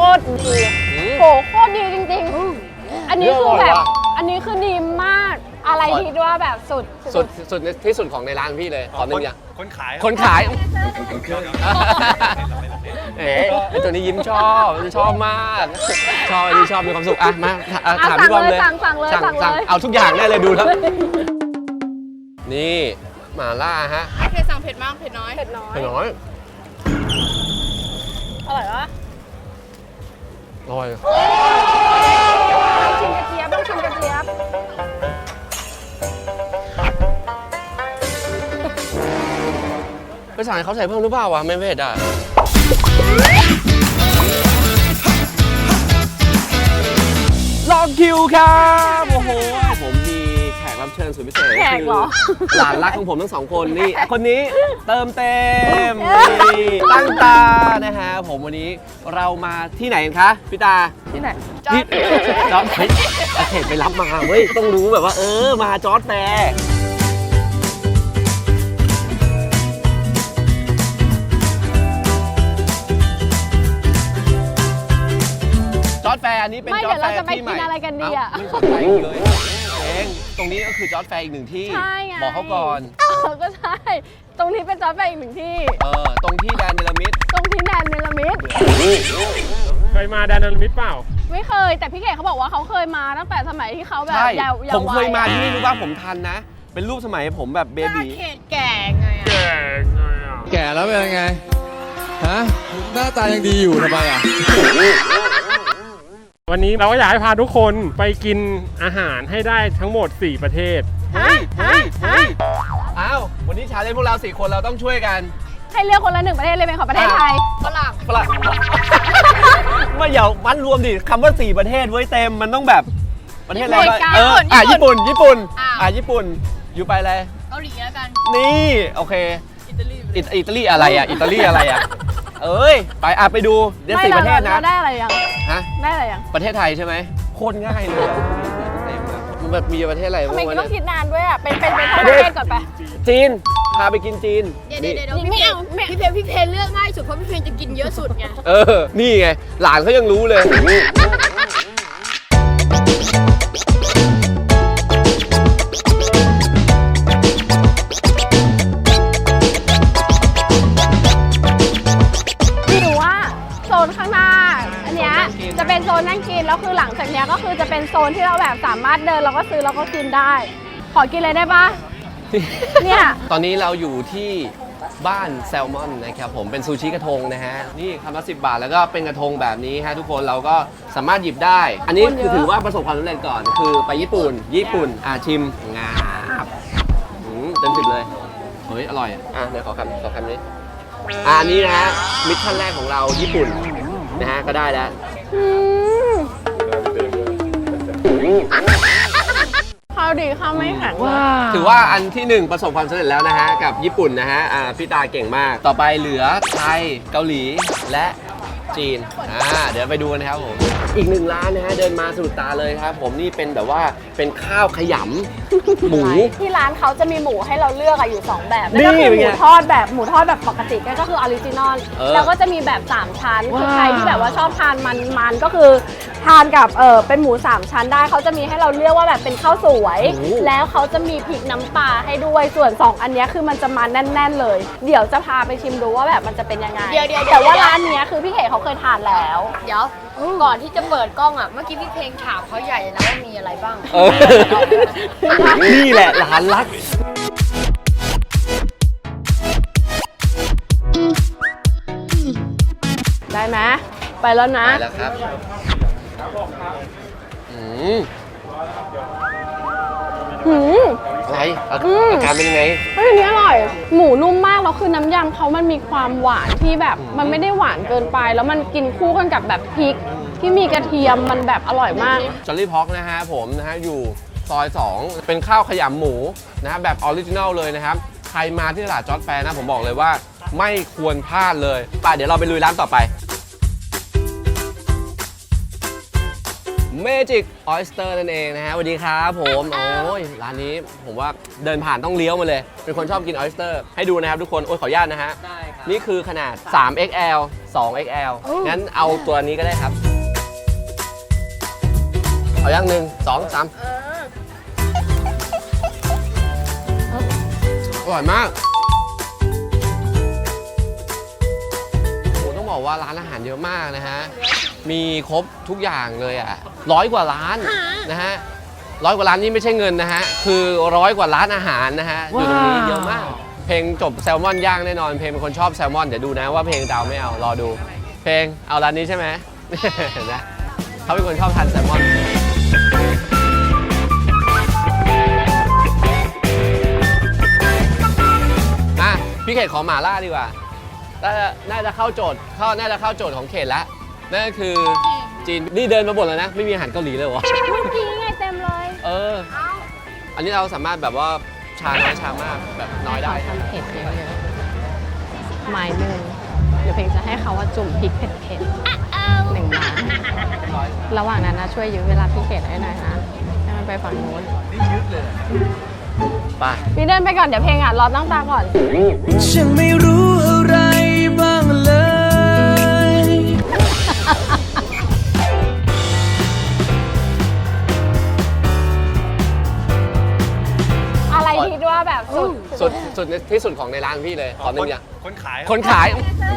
ตรดีโหโคตรดีจริงๆอันนี้คือแบบอันนี้คือดีมากอะไรที่ว่าแบบสุดที่สุดของในร้านพี่เลยขอหนึ่งอย่างคนขายเอ๋ไอตัวนี้ยิ้มชอบมากชอบอันนี้ชอบมีความสุขอ่ะมาถามพี่บอมเลยสั่งเลยเอาทุกอย่างได้เลยดูแล้วนี่หม่าล่าฮะเคยสั่งเผ็ดมากเผ็ดน้อยอร่อยปะอร่อยชิมกระเจี๊ยบต้องชิมกระเจี๊ยบไปสั่งให้เขาใส่เพิ่มหรือเปล่าวะไม่เผ็ดอ่ะลองคิวครับโอ้โหผมมีแขกรับเชิญสุดพิเศษแขกเหรอหลานรักของผมทั้งสองคนนี่คนนี้เติมเต็มนี่ตั้งตานะฮะผมวันนี้เรามาที่ไหนกันคะพี่ตาที่ไหนนี่จอร์จเฮ้ยอาเขตไปรับมาเว้ยต้องรู้แบบว่ามาจอร์จแฟร์จอร์จแฟร์อันนี้เป็นจอร์จแฟร์ที่ใหม่ไม่เดี๋ยวเราจะไปกินอะไรกันดีอ่ะไม่สนใจเลยเองตรงนี้ก็คือจอร์จแฟร์อีกหนึ่งที่บอกเขาก่อนก็ใช่ตรงนี้เป็นจอร์จแฟร์อีกหนึ่งที่ตรงที่แดนเนลมิดตรงที่แดนเนลมิดเคยมาแดนเนลมิดเปล่าไม่เคยแต่พี่เก๋เขาบอกว่าเขาเคยมาตั้งแต่สมัยที่เขาแบบยาวผมเคยมาที่นี่รู้ป่ะผมทันนะเป็นรูปสมัยผมแบบเบบีแก่ไงแก่แล้วเป็นยังไงฮะหน้าตายังดีอยู่ทำไมอ่ะวันนี้เราก็อยากให้พาทุกคนไปกินอาหารให้ได้ทั้งหมด4ประเทศอ้าววันนี้ชาเลนจ์พวกเรา4คนเราต้องช่วยกันให้เลือกคนละ1ประเทศเลยเป็นของประเทศไทยฝรั่งไม่อย่าวัดรวมดิคำว่า4ประเทศไว้เต็มมันต้องแบบประเทศอะไรญี่ปุ่นอยู่ไปเลยเกาหลีแล้วกันนี่โอเคอิตาลีอะไรอ่ะไปไปดูเดี๋ยว4ประเทศนะได้อะไรยังฮะได้อะไรยังประเทศไทยใช่ไหมโคตรง่ายเลยมันแบบมีประเทศอะไรทำไมต้องคิดนานด้วยอ่ะเป็นประเทศก่อนไปจีนพาไปกินจีนเดี๋ยวไม่เอาพี่เพนเลือกง่ายสุดเพราะพี่เพนจะกินเยอะสุดไงนี่ไงหลานเขายังรู้เลยโซนข้างหน้าอันเนี้ยจะเป็นโซนนั่งกินแล้วคือหลังจากเนี้ยก็คือจะเป็นโซนที่เราแบบสามารถเดินเราก็ซื้อเราก็กินได้ขอกินเลยได้ปะเนี่ยตอนนี้เราอยู่ที่บ้านแซลมอนนะครับผมเป็นซูชิกระทงนะฮะนี่คำละ10 บาทแล้วก็เป็นกระทงแบบนี้ฮะทุกคนเราก็สามารถหยิบได้อันนี้คือถือว่าประสบความสำเร็จก่อนคือไปญี่ปุ่นชิมงาบเต็ม10เลยเฮ้ยอร่อยเดี๋ยวขอคำนี้อันนี้นะฮะมิชชั่นแรกของเราญี่ปุ่นนะฮะก็ได้แล้วข้าวดีข้าวไม่แข็งถือว่าอันที่1ประสบความสำเร็จแล้วนะฮะกับญี่ปุ่นนะฮะพี่ตาเก่งมากต่อไปเหลือไทยเกาหลีและจีนเดี๋ยวไปดูกันนะครับผมอีก1ร้านนะฮะเดินมาสะดุดตาเลยครับผมนี่เป็นแบบว่าเป็นข้าวขยำหมูที่ร้านเขาจะมีหมูให้เราเลือกอยู่2แบบนั่นก็คือหมูทอดแบบปกติก็คือออริจินอลแล้วก็จะมีแบบ3ชั้นคือใครที่แบบว่าชอบทานมันก็คือทานกับเป็นหมู3ชั้นได้เขาจะมีให้เราเลือกว่าแบบเป็นข้าวสวยแล้วเขาจะมีพริกน้ำปลาให้ด้วยส่วน2อันนี้คือมันจะมาแน่นๆเลยเดี๋ยวจะพาไปชิมดูว่าแบบมันจะเป็นยังไงแต่ว่าร้านนี้คือพี่เก๋เขาเคยทานแล้วเดี๋ยวก่อนที่จะเปิดกล้องเมื่อกี้พี่เพลงถามเขาใหญ่เลยนะว่ามีอะไรบ้างนี่แหละหลานรักได้ไหมไปแล้วนะไปแล้วครับอะไรอาการเป็นยังไงอันนี้อร่อยหมูนุ่มมากแล้วคือน้ำยำเขามันมีความหวานที่แบบมันไม่ได้หวานเกินไปแล้วมันกินคู่กันกับแบบพริกที่มีกระเทียมมันแบบอร่อยมากจอลลี่พ็อกนะฮะผมนะฮะอยู่ซอย2เป็นข้าวขยำหมูนะฮะแบบออริจินัลเลยนะครับใครมาที่ตลาดจอร์จแฟร์นะผมบอกเลยว่าไม่ควรพลาดเลยไปเดี๋ยวเราไปลุยร้านต่อไปMagic Oyster นั่นเองนะฮะสวัสดีครับผมโอ้ยร้านนี้ผมว่าเดินผ่านต้องเลี้ยวมาเลยเป็นคนชอบกิน Oyster ให้ดูนะครับทุกคนโอ้ยขออนุญาตนะฮะได้ครับนี่คือขนาด 3XL 2XL งั้นเอาตัวนี้ก็ได้ครับ เอาอย่าง1 2 3อร่อยมากโอ้ต้องบอกว่าร้านอาหารเยอะมากนะฮะ มีครบทุกอย่างเลยอ่ะ100 กว่าร้านนะฮะ100 กว่าร้านนี่ไม่ใช่เงินนะฮะ คือ100 กว่าร้านอาหารนะฮะ อยู่ตรงนี้เยอะมาก เพลงจบแซลมอนย่างแน่นอน เพลงเป็นคนชอบแซลมอน เดี๋ยวดูนะว่าเพลงจะเอาไม่เอา รอดู เพลงเอาร้านนี้ใช่ไหม เห็นไหมเขาเป็นคนชอบทานแซลมอน พี่เขตขอหม่าล่าดีกว่าน่าจะเข้าโจทย์น่าจะเข้าโจทย์ของเขตแล้ว นั่นก็คือจีน นี่เดินมาบ่นแล้วนะ ไม่มีอาหารเกาหลีเลยวะเมื่อกี้ไงเต็มเลยอันนี้เราสามารถแบบว่าชาน้อยชามากแบบน้อยได้ทำเผ็ดเยอะๆไม้หนึ่งเดี๋ยวเพลงจะให้เขาว่าจุ่มพริกเผ็ดๆ1 ไม้ระหว่างนั้นนะช่วยยื้อเวลาพี่เขตให้หน่อยนะให้มันไปฝั่งนู้นไปพี่เดินไปก่อนเดี๋ยวเพลงรอตั้งตาก่อนฉันไม่รู้อะไรบ้างเลยอะไรคิดว่าแบบสุดที่สุดของในร้านพี่เลยขอหนึ่งอย่างคนขายคนขาย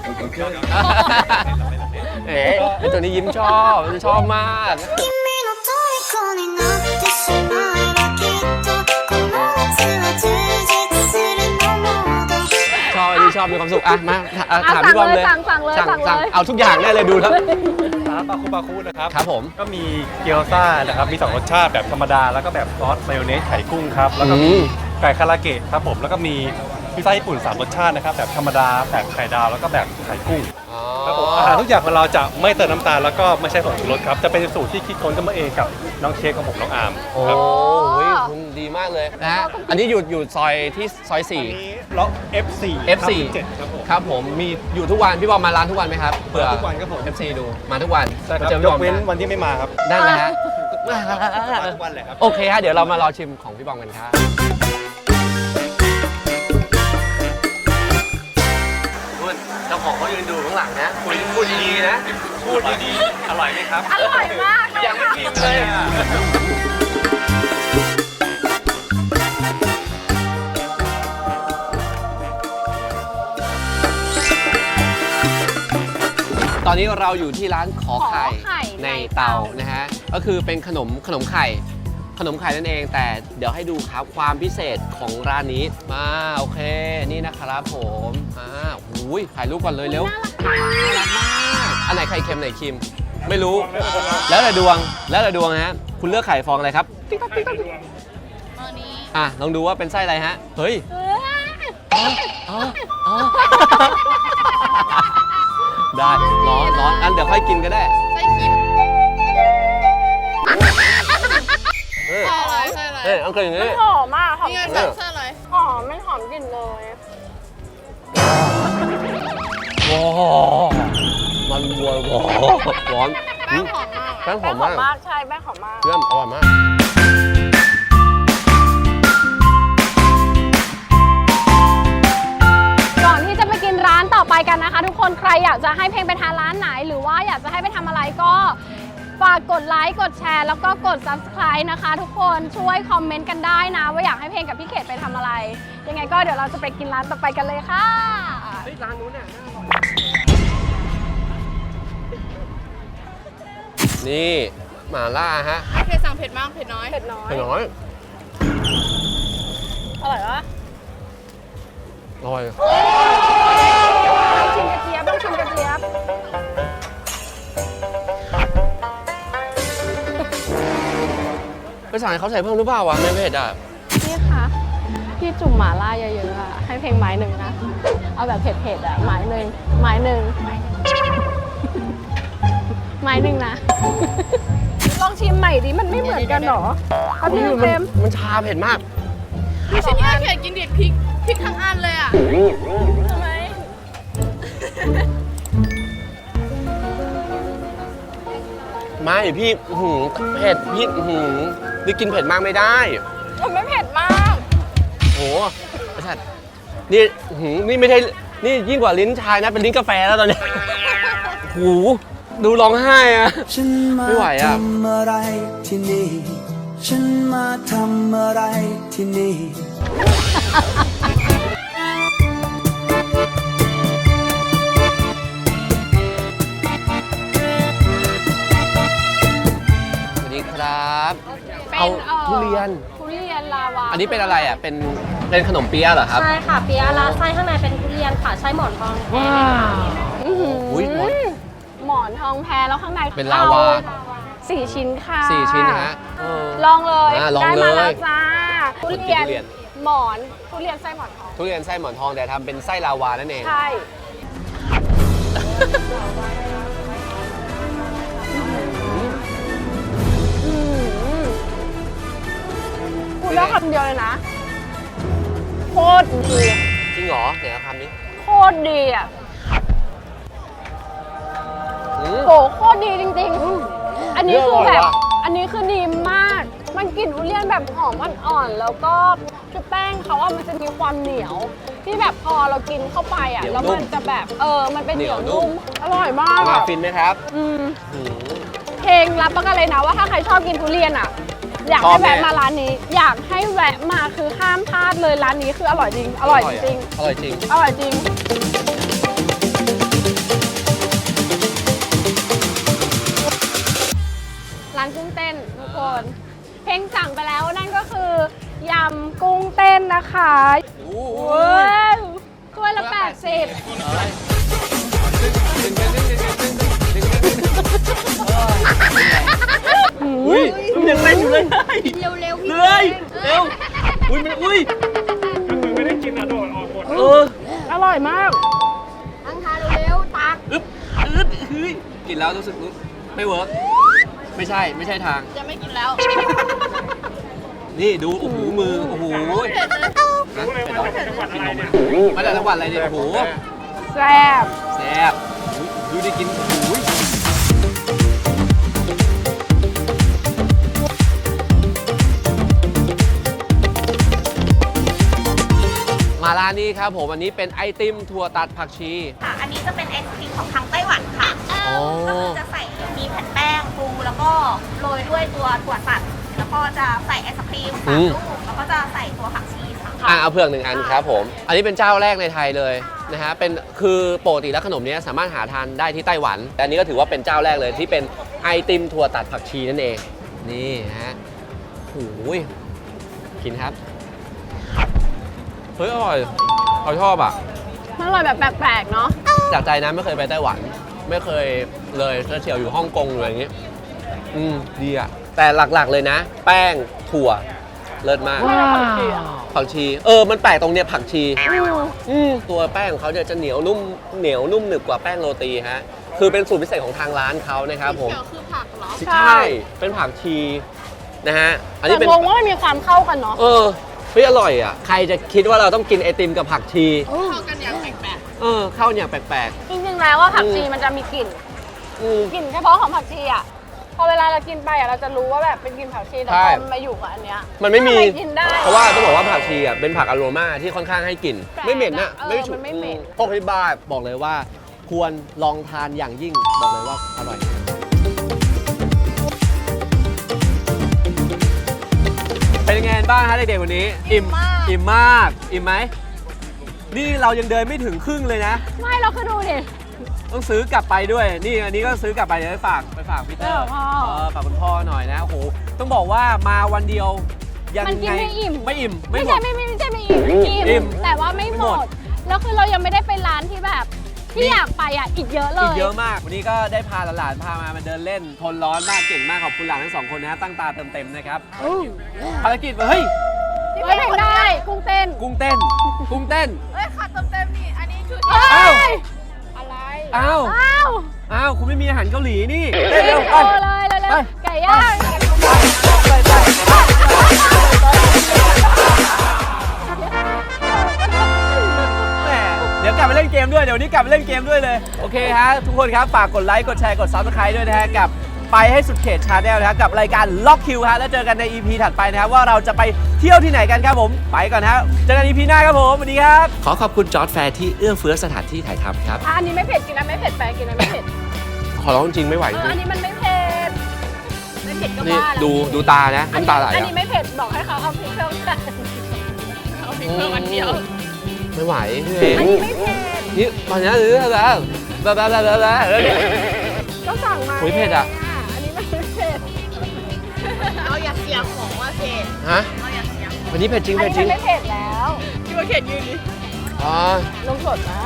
เอ๋ไอตัวนี้ยิ้มชอบมาก君の虜になってしまえばきっとこの夏は充実するのもどうชอบอันนี้ชอบมีความสุขอ่ะมาถามพี่บอมเลยสั่งเลยเอาทุกอย่างได้เลยดูแล้วร้านบาคุนะครับครับผมก็มีเกี๊ยวซ่านะครับ มี 2 รสชาติแบบธรรมดา แล้วก็แบบซอสมายองเนสไข่กุ้งครับ แล้วก็มีไก่คาราเกะครับผม แล้วก็มีพิซซ่าญี่ปุ่น 3 รสชาตินะครับ แบบธรรมดา แบบไข่ดาว แล้วก็แบบไข่กุ้งครับผมอาหารทุกอย่างของเราจะไม่เติมน้ำตาล แล้วก็ไม่ใช่ผงชูรสครับ จะเป็นสูตรที่คิดค้นขึ้นมาเองกับน้องเชฟของผมน้องอาร์มโอ้ครับยคุณดีมากเลยนะฮะ อันนี้อยู่ซอยที่ซอยอันนี้ล็อก F4 F4 7ครับผมครับผมมีอยู่ทุกวันพี่บอมมาร้านทุกวันไหมครับเผื่อทุกวันครับผม FC ดูมาทุกวันใช่ครับมาเจอย พี่บกอมเว้นนะวันที่ไม่มาครับนั่นแหละฮะมาทุกวันเลยครับโอเคฮะเดี๋ยวเรามารอชิมของพี่บอมกันครับเจ้าของเขายืนดูข้างหลังนะพูดดีๆนะพูดดีๆ อร่อยไหมครับอร่อยมากเลยยังไม่กินเลย ตอนนี้เราอยู่ที่ร้านขอไข่ในเตานะฮะ ก็คือเป็นขนมไข่นั่นเอง แต่เดี๋ยวให้ดูครับความพิเศษของร้านนี้มาโอเค นี่นะครับผมหูยถ่ายรูปก่อนเลยเร็วน่ารักมากอันไหนไข่เค็มไหนครีมไม่รู้ แล้วแต่ดวงนะฮะ คุณเลือกไข่ฟองอะไรครับติ๊กต๊อกติ๊กต๊อกลองดูว่าเป็นไส้อะไรฮะ เฮ้ยได้ร้อนอันเดี๋ยวค่อยกินก็ได้ไส้ครีมอันเคยอย่างนี้หอมมากหอมนี่ไงสั่งเสื้ออะไรหอมไม่หอมกลิ่นเลยว้าวมันวัวร้อนแป้งหอมมากแป้งหแป้อง มหอมาม กมากใช่แป้งหอมมากเยี่ยมอร่อยมากก่อนที่จะไปกินร้านต่อไปกันนะคะ ทุกคนใครอยากจะให้เพลงไปทานร้านไหน หรือว่าอยากจะให้ไปทำอะไรก็ฝากกดไลค์กดแชร์แล้วก็กด subscribe นะคะ ทุกคนช่วยคอมเมนต์กันได้นะ ว่าอยากให้เพลงกับพี่เขตไปทำอะไร ยังไงก็เดี๋ยวเราจะไปกินร้านต่อไปกันเลยค่ะร้านนู้นน่ะนี่หม่าล่าฮะเผ็ดสั่งเผ็ดมาก เผ็ดน้อยเผ็ดน้อยเป็นน้อยอร่อยปะอร่อยชิมกระเจี๊ยบต้องชิมกระเจี๊ยบไปสั่งให้เขาใส่เพิ่มหรือเปล่าวะไม่เผ็ดอ่ะพี่คะพี่จุ่มหม่าล่าเยอะๆอะให้เพลงไม้หนึ่งนะ เอาแบบเผ็ดๆอะไม้หนึ่งไม้หนึ่งนะ ลองชิมใหม่ดิมันไม่เหมือนกันหรอเอาพี่เค็มมันชาเผ็ดมากพี่ฉันอยากเผ็ดกินเด็ดพริกทั้งอันเลยอ่ะทำไมไม่พี่เผ็ดพี่นี่กินเผ็ดมากไม่ได้มันไม่เผ็ดมากโหไอ้สัตว์นี่นี่ไม่ใช่นี่ยิ่งกว่าลิ้นชายนะเป็นลิ้นกาแฟแล้วตอนนี้หูดูร้องไห้อะฉันมาไม่ไหวอะทำอะไรที่นี่ ฉันมาทำอะไรที่นี่สวัสดีครับเป็นเอาทุเรียนทุเรียนลาวาอันนี้เป็นอะไรอ่ะเป็นขนมเปี๊ยะเหรอครับใช่ค่ะเปียะและไส้ข้างในเป็นทุเรียนค่ะไส้หมอนทองแท้อื้อหืออุ๊ยหมอนหมอนทองแพ้แล้วข้างในเป็นลาวาเอ4 ชิ้นค่ะ 4 ชิ้นนะฮะเออลองเลยลองได้เลมาย แล้วจ้าทุคนกินเรียนทุเรียนหมอนทุเรียนไส้หมอนทองทุเรียนไส้หมอนทองแต่ทำเป็นไส้ลาวานั่นเองใช่พูดได้คำเดียวเลยนะ โคตรดีจริงเหรอเดี๋ยวคำนี้โคตรดีอ่ะอืมโหโคตรดีจริงๆ อันนี้คือแบบอร่อยว่ะอันนี้คือดีมาก มันกลิ่นทุเรียนแบบหอมอ่อนๆ แล้วก็คือแป้งเขาอะมันจะมีความเหนียว ที่แบบพอเรากินเข้าไปอ่ะ แล้วมันจะแบบมันเป็นเหนียวนุ่ม อร่อยมากมาอะฟินไหมครับอืมอืมเพลงรับประกันเลยนะว่าถ้าใครชอบกินทุเรียนอ่ะ อยากชอให้บแน่แวะมาร้านนี้ อยากให้แวะมาคือห้ามพลาดเลยร้านนี้คืออร่อยจริง อร่อยจริงอร่อยจริงอร่อยจริง ร้านกุ้งเต้นทุกคน เพลงสั่งไปแล้วนั่นก็คือยำกุ้งเต้นนะคะว้าวถ้วยละ 80 อุ้ยมันยังเต้นอยู่เลยเร็วๆพี่เลยเร็วอุ้ยมันอุ้ยไม่ได้กินอะโดดออกหมดเอออร่อยมากตั้งทานเร็วๆตักอึ๊บเฮ้ยกินแล้วรู้สึกไม่เวิร์กไม่ใช่ทางจะไม่กินแล้วนี่ดูโอ้โหมือโอ้โหมาจากจังหวัดอะไรเนี่ยโอ้โหแซ่บแซ่บอุ๊ยดูได้กินโอ้โหมาร้านนี้ครับผมอันนี้เป็นไอติมถั่วตัดผักชีค่ะ อันนี้จะเป็นไอศครีมของทางไต้หวันค่ะอ๋อก็คือจะใส่มีแผ่นแป้งฟูแล้วก็โรยด้วยตัวถั่วตัด แล้วก็จะใส่ไอศครีมอื 3 มลูก แล้วก็จะใส่ตัวผักชีค่ะเอาเผือก1 อันครับผม อันนี้เป็นเจ้าแรกในไทยเลยนะฮะเป็นคือปกติแล้วขนมนี้สามารถหาทานได้ที่ไต้หวัน แต่อันนี้ก็ถือว่าเป็นเจ้าแรกเลยที่เป็นไอติมถั่วตัดผักชีนั่นเอง นี่ฮะโอ้ยกินครับเฮ้ยอร่อยเขาชอบอ่ะมันอร่อยแบบแปลกๆเนาะจากใจนะไม่เคยไปไต้หวัน ไม่เคยเลยก็เฉียวอยู่ฮ่องกงเลยอย่างงี้ดีอ่ะแต่หลักๆเลยนะ แป้งถั่วเลิศมาก ผักชีมันแปลกตรงเนี้ยผักชีตัวแป้งของเขาเนี่ยจะเหนียวนุ่มหนึบกว่าแป้งโรตีฮะคือเป็นสูตรพิเศษของทางร้านเขานะครับผมเขียวคือผักเหรอใช่เป็นผักชีนะฮะอันแต่นี้เป็นงงว่ามันมีความเข้ากันเนาะเฮ้ยอร่อยอ่ะใครจะคิดว่าเราต้องกินไอติมกับผักชีเข้ากันอย่างแปลกเข้าเนี่ยแปลกจริงๆแล้วว่าผักชีมันจะมีกลิ่นๆกลิ่นเฉพาะของผักชีอ่ะ พอเวลาเรากินไปอ่ะเราจะรู้ว่าแบบเป็นกลิ่นผักชีแต่ใช่พอมันมาอยู่กับอันเนี้ยมันไม่มีทำกินได้เพราะว่าต้องบอกว่าผักชีอ่ะเป็นผักอโรมาที่ค่อนข้างให้กลิ่นแปลกไม่เหม็นนะมันไม่เหม็นพวกที่บ้านบอกเลยว่า ควรลองทานอย่างยิ่งบอกเลยว่าอร่อย เป็นยังไงบ้างฮะเด็กๆวันนี้ อิ่มมากอิ่มไหมนี่เรายังเดินไม่ถึงครึ่งเลยนะไม่เราคือดูดิต้องซื้อกลับไปด้วย นี่อันนี้ก็ซื้อกลับไปเดี๋ยวไปฝากพีเตอร์พ่อฝากคุณพ่อหน่อยนะโอ้โหต้องบอกว่ามาวันเดียวยังมันกินไงไม่อิ่มไม่อิ่มไม่หมใช่ดไม่ใช่ไม่อิ่มอิ่อิ่มมแต่ว่าไม่ไม่หหมมดดแล้วคือเรายังไม่ได้ไปร้านที่แบบที่อยากไปอ่ะอีกเยอะเลยอีกเยอะมาก วันนี้ก็ได้พาหลานๆพามาเดินเล่น ทนร้อนมากเก่งมากขอบคุณหลานทั้งสองคนนะฮะตั้งตาเติมเต็มนะครับภารกิจเฮ้ยเฮ้ยได้กุ้งเต้นกุ้งเต้น กุ้งเต้นๆเอ้ยขาดเต็มๆนี่ อันนี้คือเอ้อ้าวยอะไรอ้าวอ้าวอ้าวคุณไม่มีอาหารเกาหลีนี่เร็เร็ววๆไปเลยเร็วไปๆไก่ย่างแหมเดี๋ยวกลับไปเล่นเกมด้วย เดี๋ยววันนี้กลับไปเล่นเกมด้วยเลย โอเคฮะ ทุกคนครับ ฝากกดไลค์ กดแชร์ กด Subscribe ด้วยนะฮะ กับไปให้สุดเขตชาแนลนะครับกับรายการล็อกคิวฮะแล้วเจอกันใน EP ถัดไปนะครับว่าเราจะไปเที่ยวที่ไหนกันครับผมไปก่อนครับเจอกัน EP หน้าครับผมสวัสดีครับขอขอบคุณจอร์จแฟร์ที่เอื้อเฟื้อสถานที่ถ่ายทำครับอันนี้ไม่เผ็ดกินนะไม่เผ็ดไปกินนะไม่เผ็ดขอร้องจริงไม่ไหวอันนี้มันไม่เผ็ดไม่เผ็ดก็นี่บ้าแล้วดูตานะน้ำตาไหลอันอ่ะนี้ไม่เผ็ดบอกให้เขาเอาพริกเพิ่มกันเอาพริกเพิ่มอันเดียวไม่ไหวพี่เออันงนี้ไม่เผ็ดนี่ตอนนี้หรืออะไรแล้วเนี่ยก็สั่งมาโอ้ยเผ็ดอะอันนี้ไม่เผ็ดเราอยากเสียของว่าเผ็ดฮะเราอยากเสียวันนี้เผ็ดจริงอันเผ็ดนี้จริงมันไม่เผ็ดแล้วพี่ว่าเผ็ดยืนดิอ๋อลงสดนะ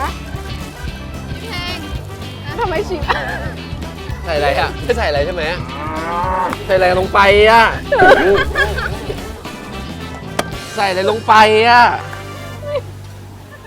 ทำไมชิมใส่อะไรอ่ะไม่ใส่อะไรใช่ไหมใส่อะไรลงไปอ่ะใส่อะไรลงไปอ่ะ